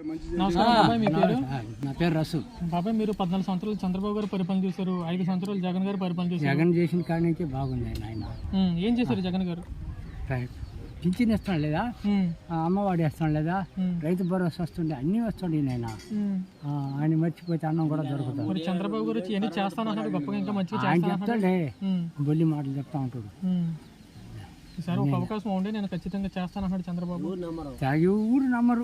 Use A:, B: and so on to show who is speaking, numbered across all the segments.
A: నమస్కారం బాబాయ్, మీ పేరు?
B: నా పేరు రసు.
A: బాబాయ్, మీరు 14 సంవత్సరాలు చంద్రబాబు గారు పరిపాలన చేశారు, 5 సంవత్సరాలు జగన్ గారు పరిపాలన చేశారు.
B: జగన్ చేసిన కాడి నుంచి బాగుంది ఆయన.
A: ఏం చేశారు జగన్ గారు?
B: పింఛన్ ఇస్తాం లేదా, అమ్మవాడి ఇస్తాం లేదా, రైతు భరోసా వస్తుండే, అన్నీ వస్తుండే ఆయన. ఆయన మర్చిపోతే అన్నం కూడా దొరుకుతుంది.
A: మరి చంద్రబాబు గారు ఎన్ని చేస్తానన్నాడు, గొప్పగా ఇంకా మంచిగా
B: ఆయన చెప్తాడే, బొల్లి మాటలు చెప్తా ఉంటాడు.
A: ఈసారి ఒక అవకాశం ఉండే నేను ఖచ్చితంగా చేస్తానన్నాడు చంద్రబాబు.
B: ఎవరు నమ్మరు,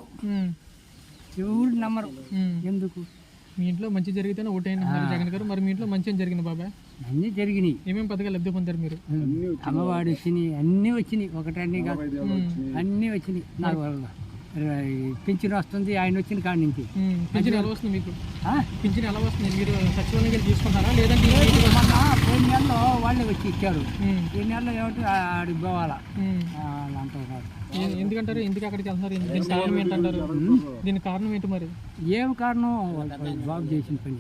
B: ఎవరు నమ్మరు. ఎందుకు?
A: మీ ఇంట్లో మంచి జరిగితేనే ఓటైనా జగన్ గారు. మరి మీ ఇంట్లో మంచి ఏం జరిగింది బాబాయ్?
B: అన్నీ జరిగినాయి.
A: ఏమేమి పథకాలు లబ్ధి పొందారు మీరు?
B: అమ్మవాడి వచ్చినాయి, అన్నీ వచ్చినాయి. ఒకటన్నీ కాదు, అన్నీ వచ్చినాయి. నాకు పింఛన్ వస్తుంది ఆయన వచ్చిన కాడి నుంచి.
A: పింఛన్ ఎలా వస్తుంది మీకు? పింఛన్ ఎలా వస్తుంది? మీరు సచివాలయం వెళ్ళి తీసుకుంటారా లేదంటే
B: పోయిన నెలలో వాళ్ళే వచ్చి ఇచ్చారు. ఈ నెలలో ఏమిటి ఆడికి పోవాలా అంటారు.
A: ఎందుకంటారు? ఎందుకు అక్కడికి వెళ్తున్నారు? దీనికి కారణం ఏంటంటారు? దీనికి కారణం ఏంటి మరి?
B: ఏం కారణం? బాబు చేసిన పని.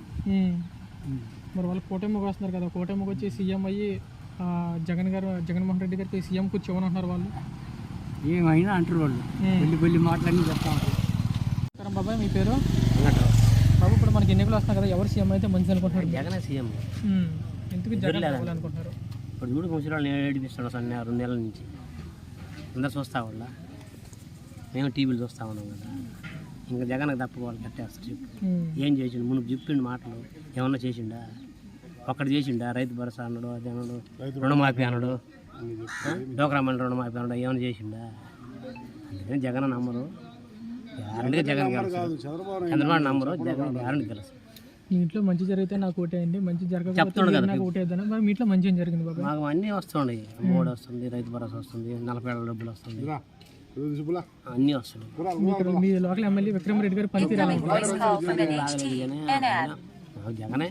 A: మరి వాళ్ళు కూటమికి వస్తున్నారు కదా, కూటమికి వచ్చి సీఎం అయ్యి జగన్మోహన్ రెడ్డి గారికి సీఎం కూర్చోమని అంటున్నారు వాళ్ళు.
B: ఏమైనా అంటారు వాళ్ళు, బొల్లి మాటలన్నీ చెప్తా ఉంటారు.
A: బాబాయ్, మీ పేరు? బాబు, ఇప్పుడు మనకి ఎన్నికలు వస్తున్నాయి కదా, ఎవరు సీఎం అయితే మంచిది అనుకుంటున్నారు?
C: జగన్ సీఎం.
A: ఎందుకు జగన్ అనుకుంటున్నారు?
C: ఇప్పుడు చూడు ముసలి ఏడిపిస్తాడు 2 నెలల నుంచి. అందరు చూస్తా వాళ్ళ, మేము టీవీలు చూస్తా ఉన్నాం కదా. ఇంకా జగన్కి తప్పుకోవాలి, కట్టేస్తారు. చెప్పు ఏం చేసిండు? ముందు చెప్పిండు మాటలు, ఏమన్నా చేసిండా? ఒక్కటి చేసిండా? రైతు భరోసా అన్నాడు, అది అన్నాడు, రుణమాఫీ అన్నాడు, డోక్రా మండలి రుణమాఫీ అన్నాడు, ఏమైనా చేసిండా? అందుకని జగన్ నమ్మరు. గ్యారంటీగా జగన్ గెలుస్తాడు. చంద్రబాబు నమ్మరు, జగన్ గ్యారంటీ గెలుస్తాడు.
A: మీ ఇంట్లో మంచి జరిగితే నాకు ఓటేయండి, మంచి జరగకపోతే నాకు ఓటేద్దాం. మరి మీ ఇంట్లో మంచి ఏం జరిగింది బాబా?
C: మాకు అన్నీ వస్తున్నాయి. అమ్మఒడి వస్తుంది, రైతు భరోసా వస్తుంది, 40 ఏళ్ళ డబ్బులు వస్తుంది, అన్నీ వస్తున్నాయి.
A: మీ లోకల్ ఎమ్మెల్యే విక్రమ్ రెడ్డి గారు పనితీరు
C: జగనే.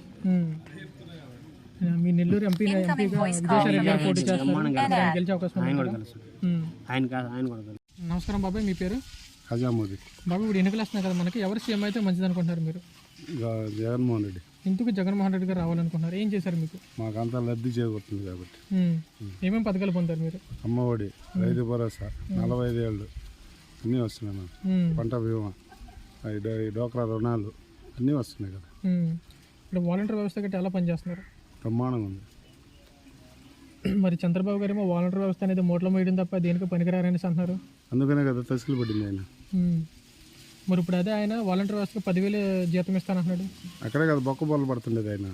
A: మీ నెల్లూరు ఎంపీగా విజయసాయి రెడ్డి గారు పోటీ చేస్తున్నారు, గెలిచే అవకాశం.
C: ఆయన కూడా కలుస్తాడు. ఆయన కూడా కలుస్తాడు.
A: నమస్కారం బాబాయ్, మీ పేరు?
D: హజామోది.
A: బాబు, ఇప్పుడు ఎన్నికలు వస్తున్నాయి కదా మనకి, ఎవరు సీఎం అయితే మంచిది అనుకుంటున్నారు మీరు?
D: జగన్మోహన్ రెడ్డి.
A: ఎందుకు జగన్మోహన్ రెడ్డి గారు రావాలనుకుంటున్నారు? ఏం చేశారు మీకు?
D: మాకంతా లబ్ధి చేకూరుతుంది కాబట్టి.
A: ఏమేమి పథకాలు పొందారు మీరు?
D: అమ్మఒడి, రైతు భరోసా, 45 ఏళ్ళు అన్నీ వస్తున్నాయి నాకు. పంట బీమా, డోక్రా రుణాలు అన్నీ వస్తున్నాయి కదా.
A: ఇప్పుడు వాలంటీర్ వ్యవస్థ గట్టి ఎలా పనిచేస్తున్నారు?
D: బ్రహ్మాండంగా ఉంది.
A: మరి చంద్రబాబు గారు ఏమో వాలంటీర్ వ్యవస్థ అనేది మోట్లో వేయడం తప్ప దేనికి పనికిరారనేసి అంటున్నారు.
D: అందుకనే కదా తసికిలు పడింది ఆయన.
A: మరి ఇప్పుడు అదే ఆయన వాలంటీర్ వ్యవస్థకు 10,000 జీతం ఇస్తానంటున్నాడు.
D: అక్కడే కదా బొక్క బొల్ల పడుతుండేది ఆయన.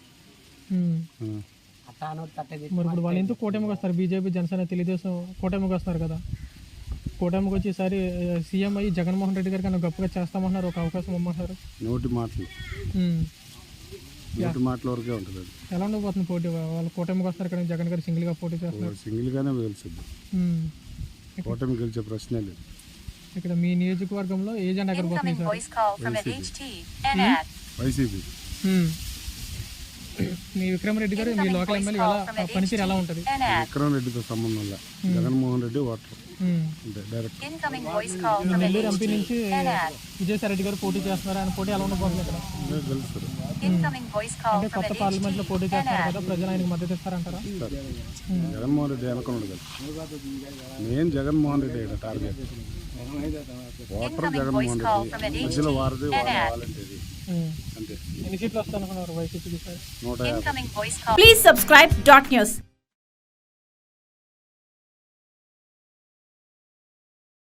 A: మరి ఇప్పుడు వాళ్ళు ఎందుకు కూటమికి వస్తారు? బీజేపీ, జనసేన, తెలుగుదేశం కూటమికి వస్తున్నారు కదా. కూటమికి వచ్చి ఈసారి సీఎం అయ్యి జగన్మోహన్ రెడ్డి గారి కన్నా గొప్పగా చేస్తామంటున్నారు, ఒక అవకాశం ఇమ్మంటున్నారు.
D: నోటి మాటలు వరకే ఉంటుంది.
A: ఎలా ఉండబోతుంది పోటీ? వాళ్ళు కూటమికి వస్తారు కానీ జగన్ గారు సింగిల్గా పోటీ చేస్తున్నారు.
D: సింగిల్గానే గెలుస్తుంది. కూటమి గెలిచే ప్రశ్నే లేదు.
A: ఇక్కడ మీ నియోజకవర్గంలో ఏ జెండా ఎక్కడ పోతుంది సార్?
D: వైసీపీ.
A: మీ విక్రమ్ రెడ్డి గారు మీ లోకల్ ఎమ్మెల్యే ఎలా పనితీరు ఎలా ఉంటుంది?
D: విక్రమ్ రెడ్డితో సంబంధం వల్ల Jaganmohan Reddy voter direct.
A: Nellore MP నుంచి విజయసాయి రెడ్డి గారు పోటీ చేస్తున్నారు, ఆయన పోటీ ఎలా ఉండబోతుంది ఇక్కడ?
D: గెలుస్తారు.
A: అంటే కొత్త పార్లమెంట్ లో పోటీ చేస్తారు కదా, ప్రజలు ఆయనకు మద్దతు ఇస్తారంటారా?
D: జగన్మోహన్ రెడ్డి అనుకున్నాడు కదా, main Jaganmohan Reddy target. Voter Jaganmohan Reddy, మధ్యలో వారది వాలంటీర్. అంతే.
A: ఎన్ని సీట్లు వస్తాయనుకున్నారు వైసీపీకి?
D: 150.
E: Please subscribe .news.